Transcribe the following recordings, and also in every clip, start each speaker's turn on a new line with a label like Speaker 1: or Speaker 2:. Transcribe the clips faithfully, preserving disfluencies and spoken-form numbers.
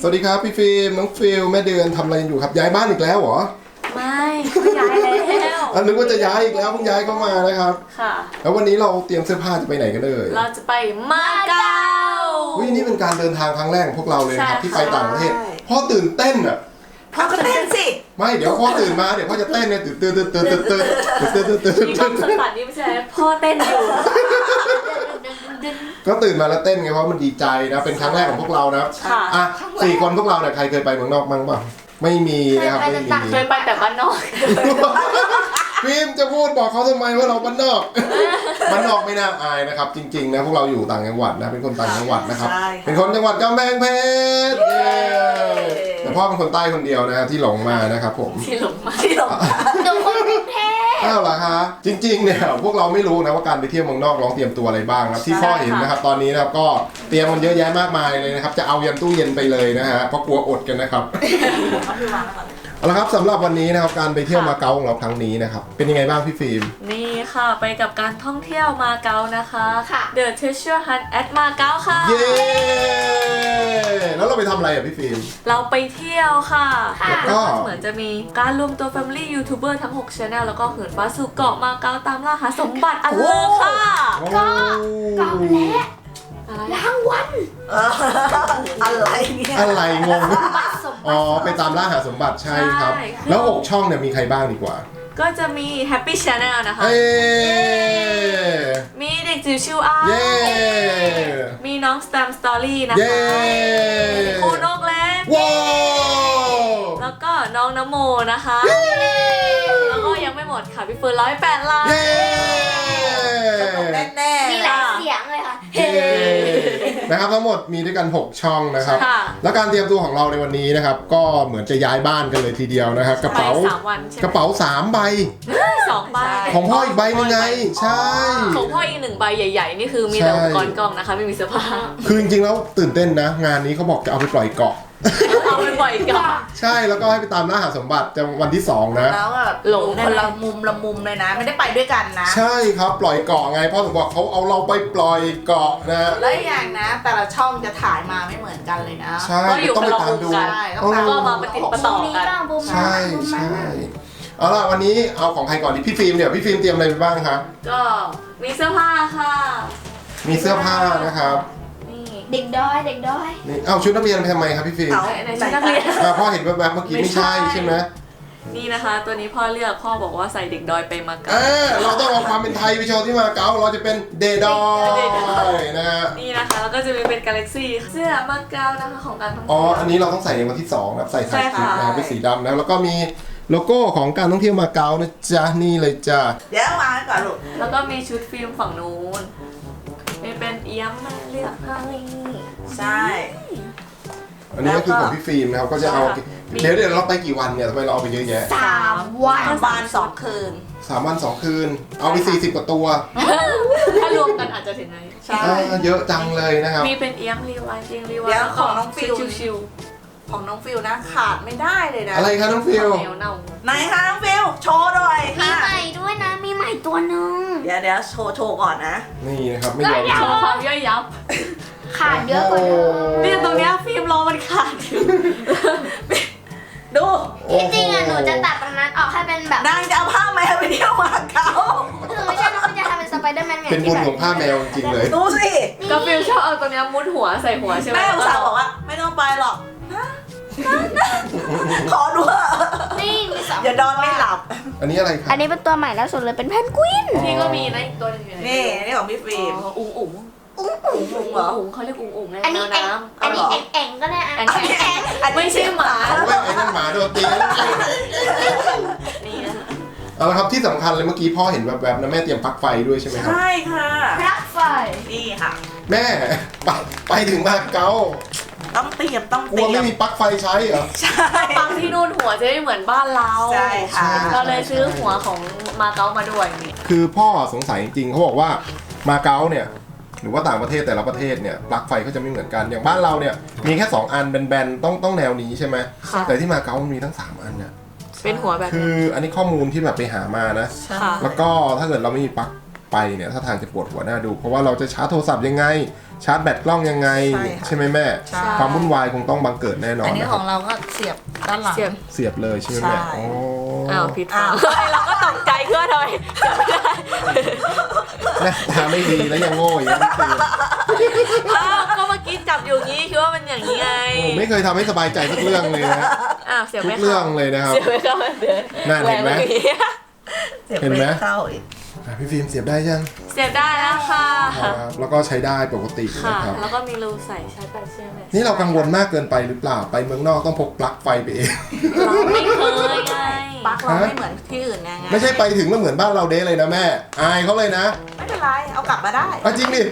Speaker 1: สวัสดีครับพี่ฟิล์มน้องฟิลแม่เดือนทำอะไรอยู่ครับย้ายบ้านอีกแล้วเหรอ
Speaker 2: ไม่ไม่ย้ายแล้ว
Speaker 1: อันนึกว่าจะย้ายอีกแล้วเพิ่งย้ายเข้ามานะครับ
Speaker 2: ค่ะ
Speaker 1: แล้ววันนี้เราเตรียมเสื้อผ้าจะไปไหนกันเลย
Speaker 2: เราจะไปมาเก๊า
Speaker 1: วินี่เป็นการเดินทางครั้งแรกของพวกเราเลยนะครับที่ไปต่างประเทศพ่อตื่นเต้นอ่ะ
Speaker 3: พ่อก็เต้นสิ
Speaker 1: ไม่เดี๋ยวพ่อตื่นมาเดี๋ยวพ่อจะเต้นเนี่ยตื่นตื่นตื่นตื่นตื่นตื่นตื่นตื่นตื่นตื่น
Speaker 2: มีความสั่นๆนี่ไม่ใช่พ่อเต้นอยู่
Speaker 1: ก็ตื่นมาแล้วเต้นไงเพราะมันดีใจนะเป็นครั้งแรกของพวกเรานะอ่ะสี่คนพวกเราเนี่ยใครเคยไปเมืองนอกบ้างป่ะไม่มีนะครับไม่มี
Speaker 2: เคยไปแต่บ้านนอก
Speaker 1: ฟิล์มจะพูดบอกเขาทำไมว่าเราบ้านนอกบ้านนอกไม่น่าอายนะครับจริงๆนะพวกเราอยู่ต่างจังหวัดนะเป็นคนต่างจังหวัดนะครับเป็นคนจังหวัดกำแพงเพชรแต่พ่อเป็นคนใต้คนเดียวนะที่หลงมานะครับผม
Speaker 2: ที่หลงมา
Speaker 3: ที่หลง
Speaker 2: หนูคนกรุงเทพ
Speaker 1: อ้าวเหรอคะจริงๆเนี่ยพวกเราไม่รู้นะว่าการไปเที่ยวเมืองนอกลองเตรียมตัวอะไรบ้างนะที่พ่อเห็นนะครับตอนนี้นะครับก็เตรียมมันเยอะแยะมากมายเลยนะครับจะเอายันตู้เย็นไปเลยนะฮะเพราะกลัวอดกันนะครับเอาละครับสำหรับวันนี้นะครับการไปเที่ยวมาเก๊าของเราครั้งนี้นะครับเป็นยังไงบ้างพี่ฟิล์ม
Speaker 2: นี่ค่ะไปกับการท่องเที่ยวมาเก๊านะคะค่ะ The Treasure Hunt at มาเก๊าค่ะ
Speaker 1: เย้แล้วเราไปทำอะไรอ่ะพี่ฟิล์ม
Speaker 2: เราไปเที่ยวค่ะ
Speaker 1: แล้วก็
Speaker 2: เหมือนจะมีการรวมตัว Family YouTuber ทั้งหก Channel แล้วก็เหินฟ้าสู่เกาะมาเก๊าตามล่าหาสมบัติอันเลิศค่ะ
Speaker 1: ก็
Speaker 4: เกาและรางวัล
Speaker 3: อะไรเนี่ย
Speaker 1: อะไรงงอ๋อไปตามล่าหาสมบัติใช่ครับแล้วหกช่องเนี่ยมีใครบ้างดีกว่า
Speaker 2: ก็จะมี Happy Channel นะคะมีเด็กจิ๋วชิวอ้ามีน้อง Stam Story นะคะครูนกเล็กแล้วก็น้องน้ำโมนะคะแล้วก็ยังไม่หมดค่ะพี่เฟิร์นร้อยแปดล้าน
Speaker 3: แน่ๆ
Speaker 4: มีหลายเสียงเลยค่ะเฮ้
Speaker 1: นะครับทั้งหมดมีด้วยกันหกช่องนะครับแล้วการเตรียมตัวของเราในวันนี้นะครับก็เหมือนจะย้ายบ้านกันเลยทีเดียวนะครับกระเป๋ากระเป๋าสามใบ
Speaker 2: สองใบ
Speaker 1: ของพ่ออีกใบนึงไงใช่
Speaker 2: ของพ่ออีกหนึ่งใบใหญ่ๆนี่คือมีแต่อุปกรณ์กล้องนะคะไม่มีเสื้อผ้า
Speaker 1: คือจริงๆแล้วตื่นเต้นนะงานนี้เขาบอกจะเอาไปปล่อยเกาะ
Speaker 2: เอาไปปล่อยเกาะ
Speaker 1: ใช่แล้วก็ให้ไปตามล่าหาสมบัติจะวันที่สองนะ
Speaker 3: แล้วแบบหลงคนละมุมละมุมเลยนะไม่ได้ไปด้วยกันนะ
Speaker 1: ใช่ครับปล่อยเกาะไงพ่อถึงบอกเขาเอาเราไปปล่อยเกาะนะ
Speaker 3: แล้วอย่างนะแต่ละช่องจะถ่ายมาไม่เหมือนกันเลยนะ
Speaker 1: ใช่ต้องไปตามดู
Speaker 2: ก็มาปฏิบัติต่อกัน
Speaker 1: ใช่ใช่เอาล่ะวันนี้เอาของใครก่อนดีพี่ฟิล์มเนี่ยพี่ฟิล์มเตรียมอะไรไปบ้างครับ
Speaker 2: ก็มีเสื้อผ้าค่ะ
Speaker 1: มีเสื้อผ้านะครับ
Speaker 4: เด็กด้อยเด็กด้อย
Speaker 1: นี่เอาชุดนักเรียนไปทำไมครับพี่ฟิล์ม
Speaker 2: ในชุดนักเรียน
Speaker 1: พ่อเห็นแบบๆเมื่อกี้ไม่ใช่ใช่ไหม
Speaker 2: นี่นะคะตัวนี้พ่อเลือกพ่อบอกว่าใส่เด็กดอยไปมาเก๊า
Speaker 1: เราต้องเอาความเป็นไทยไปโชว์ที่มาเก๊าเราจะเป็นเดดอยนะฮะ
Speaker 2: นี่นะคะแล้วก็จะมีเป็นกาแล็กซี่เสื้อมาเก๊านะคะของการท่องเที่ยว
Speaker 1: อ๋ออันนี้เราต้องใส่ในวันที่สองนะใส่ถ่ายคลิปนะเป็นสีดำนะแล้วก็มีโลโก้ของการท่องเที่ยวมาเก๊านะจ๊ะนี่เลยจ้ะ
Speaker 3: เดี๋ยวมาก่อนลูก
Speaker 2: แล้วก็มีชุดฟิล์มฝั่งนู้นมีเป็นเอี้ยมมาเลือกให้
Speaker 3: ใช่
Speaker 1: อันนี้ก็คือของพี่ฟิล์มนะครับก็จะเอาเดี๋ยวเดี๋ยวเราไปกี่วันเนี่ยทำไมเราเอาไปเยอะแยะ
Speaker 4: สามวัน
Speaker 3: บานสองคืน
Speaker 1: สามวันสองคืนเอาไปสี่สิบกว่าตัว
Speaker 2: ถ้ารวมกันอาจจะถึงไหน
Speaker 1: ใช่เยอะจังเลยนะครับ
Speaker 2: มีเป็นเอี้ยมรีวายจริงรีวาย
Speaker 3: เดี๋ยวของน้องฟิล
Speaker 2: ชิว
Speaker 3: ของน้องฟิลนะขาดไม่ได้เลยนะ
Speaker 1: อะไรคะน้องฟิล
Speaker 3: ไหนคะน้องฟิลโชว์ด้วย
Speaker 4: มีใหม่ด้วยนะมีใหม่ตัวหนึ่ง
Speaker 3: เดี๋ยวเดี๋ยวโชว์โชว์ก่อนนะ
Speaker 1: นี่นะครับไม่ยอม
Speaker 2: โชว์ความย่อยยับ
Speaker 4: ขาดเยอะกว่าเดิม
Speaker 2: เนี่ยตรงเนี้ยฟิล์มรอมันขาดอยู่ดู
Speaker 4: ที่จริงอะหนูจะตัดตรงนั้นออกให้เป็นแบบ
Speaker 3: นางจะเอาผ้าแมวไปเที่ยวมาเก๊า
Speaker 4: คือไม่ใช่น้องจะทำเป็นสไปเดอร์แมนไง
Speaker 1: เป็นบุญของผ้าแมวจริงเลย
Speaker 3: ดูสิ
Speaker 2: ก็ฟิล์มชอบเอาตรงเนี้ยมุดหัวใส่หัวใช่ไหม
Speaker 3: แม่อุตส่าห์บอกว่าไม่ต้องไปหรอกขอดู
Speaker 4: นี่
Speaker 3: อย่าดอนไม่หลับ
Speaker 1: อันนี้อะไรครับ
Speaker 4: อันนี้เป็นตัวใหม่แล้วสุดเลยเป็นแพนกวิน
Speaker 2: นี่ก็มีนะอีกตัวนึงอยู่
Speaker 3: นี่นี่ของพี่ฟิล์ม
Speaker 2: อุ๋งอุ๋ง
Speaker 4: อุ๋งอุ๋ง
Speaker 2: อุ๋งเหรออุ๋งเขาเรียกอุ๋งอุ๋งไง
Speaker 4: อันนี้แองอันนี้แองแองก็ได้
Speaker 2: แองแองไม่ใช่หมา
Speaker 1: ไม่ไอ้นั่นหมาโดนตี
Speaker 2: นี่
Speaker 1: เอาละครับที่สำคัญเลยเมื่อกี้พ่อเห็นแวบๆนะแม่เตรียมปลั๊กไฟด้วยใช่ไหมครับ
Speaker 3: ใช่ค่ะ
Speaker 4: ปลั๊กไฟ
Speaker 3: นี่ค่ะ
Speaker 1: แม่ไปไปถึงมาเก๊า
Speaker 3: ต้องเตรียมต้องเต
Speaker 1: รียมกลัวไม่มีปลั๊กไฟใช้เหรอ
Speaker 3: ใช่
Speaker 2: ปลั๊กที่นู่นหัวจะไม่เหมือนบ้านเรา
Speaker 3: ใช่ค่ะ
Speaker 2: เราเลยซื้อหัวของมาเก๊ามาด้วยนี่
Speaker 1: คือพ่อสงสัยจริงๆเขาบอกว่ามาเก๊าเนี่ยหรือว่าต่างประเทศแต่ละประเทศเนี่ยปลั๊กไฟเขาจะไม่เหมือนกันอย่างบ้านเราเนี่ยมีแค่สองอันแบนๆต้องต้องแนวนี้ใช่ไหมแต่ที่มาเก๊ามันมีทั้งสามอันเนี่ย
Speaker 2: เป็นหัวแบบ
Speaker 1: คืออันนี้ข้อมูลที่แบบไปหามานะแล้วก็ถ้าเกิดเราไม่มีปลั๊กไปเนี่ยถ้าทางจะปวดหัวหน้าดูเพราะว่าเราจะชาร์จโทรศัพท์ยังไงชาร์จแบตกล้องยังไง
Speaker 3: ใช่ค่ะ
Speaker 1: ใช่ไหมแม่
Speaker 3: ใช่
Speaker 1: ความวุ่นวายคงต้องบังเกิดแน่นอ
Speaker 3: อั
Speaker 1: น
Speaker 3: นนี้
Speaker 1: นะค
Speaker 3: ข
Speaker 1: รั
Speaker 3: อบ งเราก็เสียบด้านหลัง
Speaker 2: เสียบ
Speaker 1: เสียบเลยใช่ไหมแม่
Speaker 3: ใช่
Speaker 1: โอ้
Speaker 2: อ้าวผิด
Speaker 3: อ้าว
Speaker 2: เราก็ตกใจเครื่องทำไมจำไม่ได้
Speaker 1: หน้าตาไม่ดีแล้วยังโง่อีกนะพี่ฟิล์ม
Speaker 2: อ้าวก็เมื่อกี้จับอยู่งี้คิดว่ามันอย่างนี้ไง
Speaker 1: โอ้ไม่เคยทำให้สบายใจสักเรื่องเลยนะ
Speaker 2: อ้าวเสียบ
Speaker 1: ทุ
Speaker 2: ไม่
Speaker 1: ก
Speaker 2: เข้า
Speaker 1: เรื่องเลยนะครับ
Speaker 2: เสียบไม่เข้าเดิน
Speaker 1: นั่นเห็นไหม
Speaker 2: แรงมื่อกี้
Speaker 3: เสียบ
Speaker 1: เห็นไหม
Speaker 3: ไม่เข้าอีก
Speaker 1: อ่ะพี่ฟิล์มเสียบได้ยัง
Speaker 2: เสียบได้แล้วค่ะ
Speaker 1: ครับแล้วก็ใช้ได้ปกติ
Speaker 2: ค่ะ
Speaker 1: นะครับ
Speaker 2: แล้วก็มีรูใส่ชาร์จแบตใช่ไหม
Speaker 1: นี่เรากังวลมากเกินไปหรือเปล่าไปเมืองนอกต้องพกปลั๊กไฟไปเอง
Speaker 2: เราไม่เคยไง
Speaker 3: ปลั๊กเราไม่เหมือนที่อื่นไง
Speaker 1: ไม่ใช่ไปถึงแล้วเหมือนบ้านเราเด้เลยนะแม่อายเขาเลยนะ
Speaker 3: ไม่เป็นไรเอากลับมาได้
Speaker 1: อ่ะจริงดิ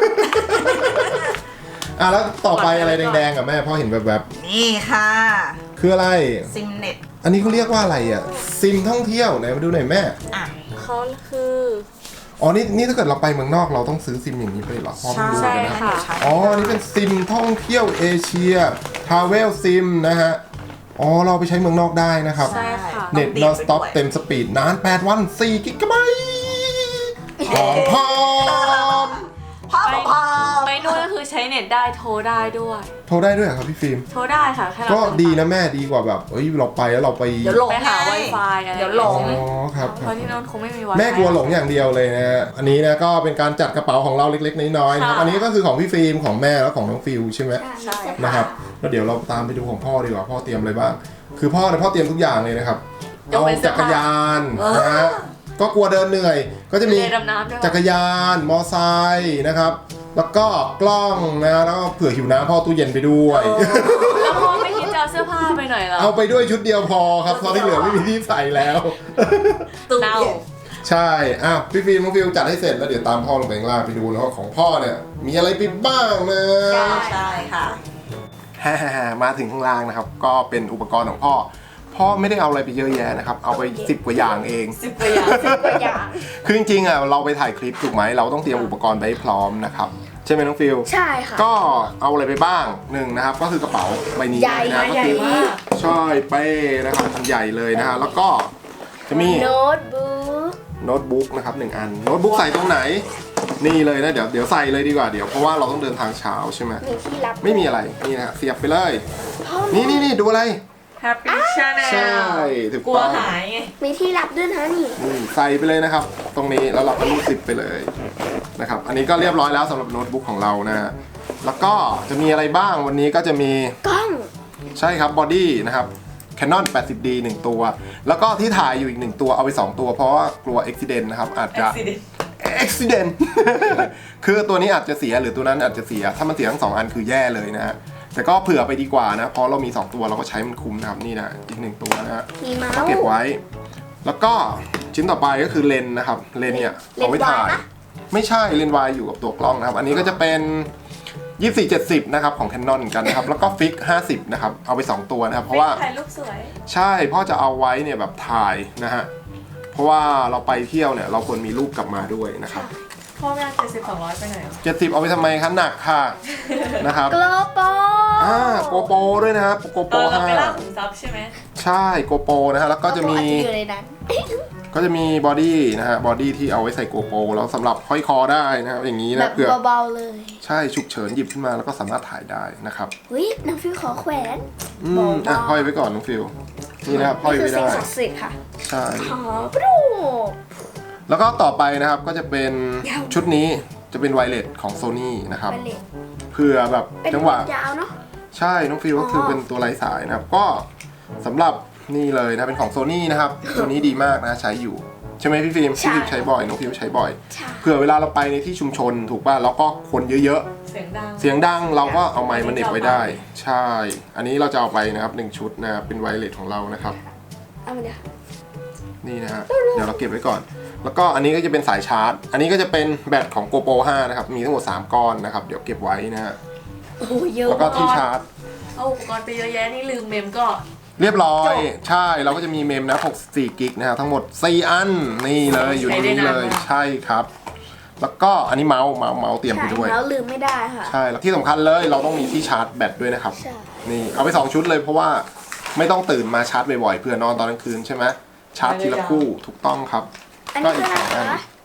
Speaker 1: อ่ะแล้วต่อไปอะไรแดงๆอ่ะแม่พ่อเห็นแบบ
Speaker 3: นี่ค่ะ
Speaker 1: ๆคืออะไร
Speaker 3: ซิมเน็ต
Speaker 1: อันนี้เขาเรียกว่าอะไรอ่ะซิมท่องเที่ยวไหนมาดูหน่อยแม่
Speaker 3: อ่ะ
Speaker 2: เขาคือ
Speaker 1: อ๋อนี่นี่ถ้าเกิดเราไปเมืองนอกเราต้องซื้อซิมอย่างนี้ไปเหรอพ่อไม่รู้
Speaker 2: ใช่
Speaker 1: เลยนะ
Speaker 2: ค่ะ
Speaker 1: อ๋อนี่เป็นซิมท่องเที่ยวเอเชียทราเวลซิมนะฮะอ๋อเราไปใช้เมืองนอกได้นะครับ
Speaker 2: ใช่ค่ะ
Speaker 1: เน็ต นอนสต็อปเต็มสปีดนานแปดวันสี่กิกะไบต์พร้อมพร้อม
Speaker 3: พ่อ
Speaker 2: ไป
Speaker 3: พ่อ
Speaker 2: ไปนู่นก็คือใช้เน็ตได้โทรได้ด้วย
Speaker 1: โทรได้ด้วยเหรอครับพี่ฟิล์ม
Speaker 2: โทรได้ค่ะแค่เรา
Speaker 1: ก็ดีนะแม่ดีกว่าแบบเอ้ยเราไปแล้วเราไป
Speaker 3: เดี๋ยวหลง
Speaker 2: ไปหา
Speaker 3: ไง
Speaker 2: Wi-Fi อะไร
Speaker 3: เดี๋ยวหล
Speaker 1: อ๋
Speaker 3: ง
Speaker 1: อครับค
Speaker 2: เพ
Speaker 1: รับ
Speaker 2: ราะที่นู่นคงไม่มี Wi-Fi
Speaker 1: แม่กลัวหลงอย่างเดียวเลยนะฮะอันนี้นะก็เป็นการจัดกระเป๋าของเราเล็กๆน้อยๆนะครับ
Speaker 2: ค่ะ
Speaker 1: อันนี้ก็คือของพี่ฟิล์มของแม่แล้วของน้องฟิลใช่ไหม
Speaker 2: ใช่
Speaker 1: นะครับแล้วเดี๋ยวเราตามไปดูของพ่อดีกว่าพ่อเตรียมอะไรบ้างคือพ่อเนี่ยพ่อเตรียมทุกอย่างเลยนะครับ
Speaker 2: ยก
Speaker 1: เอา
Speaker 2: เว้นเสื้
Speaker 1: จั
Speaker 2: อก ผ้า
Speaker 1: รยานนะฮะก็กลัวเดินเหนื่อย ก็จะมี
Speaker 2: เรือดำน้ำด้วย
Speaker 1: จักรยาน มอไซค์นะครับ แล้วก็กล้องนะ แล้วก็เผื่อหิวน้ำพ่อตู้เย็นไปด้วย
Speaker 2: แล้วพ่อไม่คิดจะเอาเสื้อผ้าไปหน่อยเหรอ
Speaker 1: เอาไปด้วยชุดเดียวพอครับตอนที่เหลือไม่มีที่ใส่แล้ว
Speaker 3: ตู้
Speaker 2: เน่า
Speaker 3: เย็น
Speaker 1: ใช่อ่ะพี่ฟิล์มน้องฟิลจัดให้เสร็จแล้วเดี๋ยวตามพ่อลงไปข้างล่างไปดูแล้วว่าของพ่อเนี่ย มีอะไรไปบ้างนะ
Speaker 3: ใช่ค่ะ
Speaker 1: ฮ่าๆมาถึงข้างล่างนะครับ ก็เป็นอุปกรณ์ของพ่อ พ่อไม่ได้เอาอะไรไปเยอะแยะนะครับ เอาไปสิบกว่าอย่างเอง
Speaker 2: สิบกว่าอย่าง
Speaker 4: ตัวอย่าง
Speaker 1: คือจริงๆอ่ะเราไปถ่ายคลิปถูกไหมเราต้องเตรียมอุปกรณ์ไปให้พร้อมนะครับใช่ไหมน้องฟิล
Speaker 4: ใช่ค่ะ
Speaker 1: ก็เอาอะไรไปบ้างหนึ่งนะครับ ก็คือกระเป๋าใบนี้
Speaker 4: ใหญ่
Speaker 1: นะก็
Speaker 2: ใหญ่
Speaker 1: คือ
Speaker 2: มาก
Speaker 1: ใช่เป้นะครับใหญ่เลยนะฮะแล้วก็จะมี
Speaker 4: โน้ตบุ๊ก
Speaker 1: โน้ตบุ๊กนะครับหนึ่งอันโน้ตบุ๊กใส่ตรงไหน นี่เลยนะเดี๋ยวเดี๋ยวใส่เลยดีกว่าเดี๋ยวเพราะว่าเราต้องเดินทางเช้าใช่ไหม
Speaker 4: มีที่รับ
Speaker 1: ไม่มีอะไรนี่นะฮะเสียบไปเลย
Speaker 4: พ่อ
Speaker 1: นี่นี่นี่ดูอะไร
Speaker 2: Happy Channel
Speaker 1: ใช่ถูก
Speaker 2: กลัว
Speaker 1: ต้อง
Speaker 2: หายไง
Speaker 4: มีที่รับด้วยนะนี่
Speaker 1: อืมใส่ไปเลยนะครับ ตรงนี้แล้วเราก็รูดซิปไปเลยนะครับอันนี้ก็เรียบร้อยแล้วสำหรับโน้ตบุ๊กของเรานะฮะแล้วก็จะมีอะไรบ้างวันนี้ก็จะมี
Speaker 4: กล้อง
Speaker 1: ใช่ครับบอดี้นะครับ Canon แปดสิบดี หนึ่งตัว แล้วก็ที่ถ่ายอยู่อีกหนึ่งตัวเอาไปสองตัวเพราะว่ากลัวอุบิเหตุนะครับอาจจะ
Speaker 2: Accident
Speaker 1: accident คือตัวนี้อาจจะเสียหรือตัวนั้นอาจจะเสียถ้ามันเสียทั้งสองอันคือแย่เลยนะฮะแต่ก็เผื่อไปดีกว่านะเพราะเรามีสองตัวเราก็ใช้มันคุ้มนะครับนี่นะอีกหนึ่งตัวนะฮะ
Speaker 4: มีเมา
Speaker 1: ก็
Speaker 4: ส์
Speaker 1: เก็บไว้ แล้วก็ชิ้นต่อไปก็คือเลนส์นะครับเลนส์เนี่ยเอาไว้ถ่าย
Speaker 4: เลนส์วายปะ
Speaker 1: ไม่ใช่เลนส์วายอยู่กับตัวกล้องนะครับอันนี้ก็จะเป็นยี่สิบสี่ เจ็ดสิบนะครับของ Canon กันนะครับแล้วก็ฟิกห้าสิบนะครับเอาไปสองตัวนะครับเพราะว่า
Speaker 2: ถ่ายรูปสวย
Speaker 1: ใช่พ่อจะเอาไว้เนี่ยแบบถ่ายนะฮะเพราะว่าเราไปเที่ยวเนี่ยเราควรมีรูปกลับมาด้วยนะครับ
Speaker 2: พ่อไม่เอาเจ็ดสิบสองร้อยไปไหน
Speaker 1: เจ็ดสิบเอาไปทำไมคะหนักค่ะนะครับ
Speaker 4: โกลโป
Speaker 1: อ่าโกโปรด้วยนะครับโกโป
Speaker 2: เอ
Speaker 1: ร
Speaker 2: อเรา
Speaker 1: ห้า
Speaker 2: ไปล่าขุมทรัพย์ใช่ไหม
Speaker 1: ใช่โกโปรนะฮะแล้วก็จะมี
Speaker 4: อาจจะอยู่ในนั้น
Speaker 1: ก็จะมีบอดี้นะฮะบอดี้ที่เอาไว้ใส่โกโปรแล้วสำหรับห้อยคอได้นะครับอย่างนี้
Speaker 4: แบ
Speaker 1: นะ
Speaker 4: บ
Speaker 1: เผื่อ
Speaker 4: เบาๆเลย
Speaker 1: ใช่ฉุกเฉินหยิบขึ้นมาแล้วก็สามารถถ่ายได้นะครับ
Speaker 4: วิน้องฟิวขอแขวน
Speaker 1: อืมอ่ะห้อยไว้ก่อนน้องฟิลนี่นะครับห้อย
Speaker 4: นี่คือ
Speaker 1: ไว้
Speaker 4: สิ่ง
Speaker 1: ได้
Speaker 4: ศักดิ์สิทธิ์ค่ะ
Speaker 1: ใช่
Speaker 4: ขอปลูก
Speaker 1: แล้วก็ต่อไปนะครับก็จะเป็น
Speaker 4: ยาว
Speaker 1: ชุดนี้จะเป็นไวเลสของ Sony นะครับ
Speaker 4: ไปเลย
Speaker 1: เผื่อแบบ
Speaker 4: เป็น
Speaker 1: จังหวะ
Speaker 4: ยาวเนาะ
Speaker 1: ใช่น้องฟิลก็คือเป็นตัวไร้สายนะครับก็สำหรับนี่เลยนะเป็นของ Sony นะครับ ตัวนี้ดีมากนะใช้อยู่ใช่ไหมพี่ฟิล์มพี่ฟิล์มใช้บ่อยน้องฟิลใช้บ่อย
Speaker 4: ใช่
Speaker 1: เผื่อเวลาเราไปในที่ชุมชนถูกป่ะแล้วก็คนเยอะ
Speaker 2: เสียงดัง
Speaker 1: ๆ เสียงดังเราก็เอาไมค์มาเหน็บไว้ได้ ใช่ อันนี้เราจะเอาไปนะครับหนึ่งชุดนะครับเป็นไวเลสของเรานะครับ
Speaker 4: เอามาเดี๋ยว
Speaker 1: นี่นะฮะเดี๋ยวเราเก็บไว้ก่อน แล้วก็อันนี้ก็จะเป็นสายชาร์จ อันนี้ก็จะเป็นแบตของ GoPro ห้านะครับมีทั้งหมดสามก้อนนะครับเดี๋ยวเก็บไว้นะฮะ
Speaker 4: โอ้โหเยอะ
Speaker 1: แล้วก็ที่ชาร์จ
Speaker 2: เอาอุปกรณ์ไปเยอะแยะนี่ลืมเมมก็
Speaker 1: เรียบร้อยใช่เราก็จะมีเมมนะหกสิบสี่กิกนะฮะทั้งหมดสี่อันนี่เลยอยู่ในนี้เลยใช่ครับ แล้วก็อันนี้เมาส์เมาส์เมาส์เตรียมไปด้วย
Speaker 4: ใช่แล้วลืมไม่ได้ค่ะ
Speaker 1: ใช่แล้วที่สำคัญเลยเราต้องมีที่ชาร์จแบตด้วยนะครับ
Speaker 4: ใช่
Speaker 1: นี่เอาไปสองชุดเลยเพราะว่าไม่ต้องตื่นมาชาร์จบ่อยๆเพื่อนอนตอนกลางคืนใช่ไหมชาร์จทีละคู่ถูกต้องครับ
Speaker 4: อัน
Speaker 1: ก็
Speaker 4: นี้
Speaker 1: อี
Speaker 4: คื
Speaker 1: ก
Speaker 4: ออะไร
Speaker 1: สองอัน
Speaker 4: คะ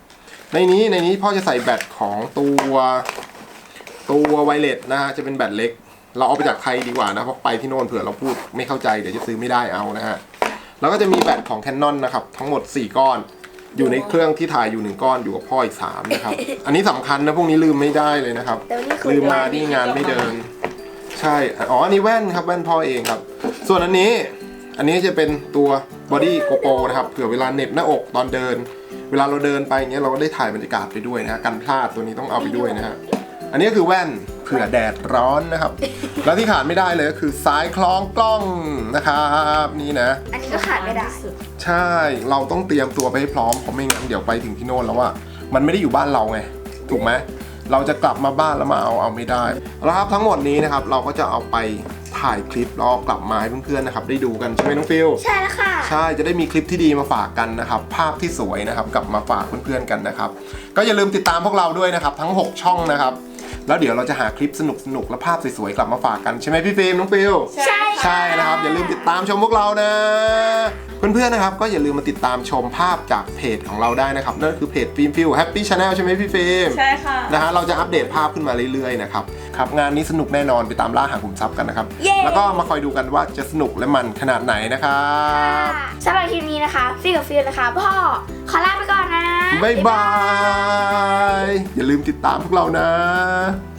Speaker 1: ในนี้ในนี้พ่อจะใส่แบตของตัวตัวไวเลสนะฮะจะเป็นแบตเล็กเราเอาไปจากไทยดีกว่านะเพราะไปที่โน่นเผื่อเราพูดไม่เข้าใจเดี๋ยวจะซื้อไม่ได้เอานะฮะแล้วก็จะมีแบตของ Canon นะครับทั้งหมดสี่ก้อนอยู่ในเครื่องที่ถ่ายอยู่หนึ่งก้อนอยู่กับพ่ออีกสามนะครับอันนี้สำคัญนะพวกนี้ลืมไม่ได้เลยนะครับ
Speaker 4: แต่วันนี้คือ
Speaker 1: ลืมมาที่งานไม่เดินใช่อ๋ออันนี้แว่นครับแว่นพ่อเองครับส่วนอันนี้อันนี้จะเป็นตัวบอดี้โกโปรนะครับเผื่อเวลาเหน็บหน้าอกตอนเดินเวลาเราเดินไปอย่างเงี้ยเราก็ได้ถ่ายบรรยากาศไปด้วยนะฮะกันพลาดตัวนี้ต้องเอาไปด้วยนะฮะอันนี้ก็คือแว่นเผื่อแดดร้อนนะครับแล้วที่ขาดไม่ได้เลยก็คือสายคล้องกล้องนะครับนี่นะ
Speaker 4: อันนี้ก็ขาดไม่ได้
Speaker 1: ใช่เราต้องเตรียมตัวไปให้พร้อมเพราะไม่งั้นเดี๋ยวไปถึงที่โน่นแล้วว่ามันไม่ได้อยู่บ้านเราไงถูกไหมเราจะกลับมาบ้านแล้วมาเอาเอาไม่ได้แล้วครับทั้งหมดนี้นะครับเราก็จะเอาไปถ่ายคลิปแล้วกลับมาให้เพื่อนๆนะครับได้ดูกันใช่ไหมน้องฟิล
Speaker 4: ใช่แล้วค่ะ
Speaker 1: ใช่จะได้มีคลิปที่ดีมาฝากกันนะครับภาพที่สวยนะครับกลับมาฝากเพื่อนๆกันนะครับก็อย่าลืมติดตามพวกเราด้วยนะครับทั้งหกช่องนะครับแล้วเดี๋ยวเราจะหาคลิปสนุกๆและภาพสวยๆกลับมาฝากกันใช่ไหมพี่ฟิล์มน้องฟิล
Speaker 4: ใช่
Speaker 1: ใช่นะครับอย่าลืมติดตามชมพวกเรานะเพื่อนๆนะครับก็อย่าลืมมาติดตามชมภาพจากเพจของเราได้นะครับนั่นคือเพจฟิล์มฟิลแฮปปี้ชาแนลใช่ไหมพี่ฟิล์ม
Speaker 2: ใช่ค่ะ
Speaker 1: นะฮะเราจะอัปเดตภาพขึ้นมาเรื่อยๆนะครับครับงานนี้สนุกแน่นอนไปตามล่าหาขุมทรัพย์กันนะครับ
Speaker 4: เย้
Speaker 1: แล้วก็มาคอยดูกันว่าจะสนุกและมันขนาดไหนนะครับ
Speaker 4: สำหรับคลิปนี้นะคะฟิลกับฟิลนะคะพ่อขอลาไปก่อนนะ
Speaker 1: บ๊ายบายอย่าลืมติดตามพวกเรานะ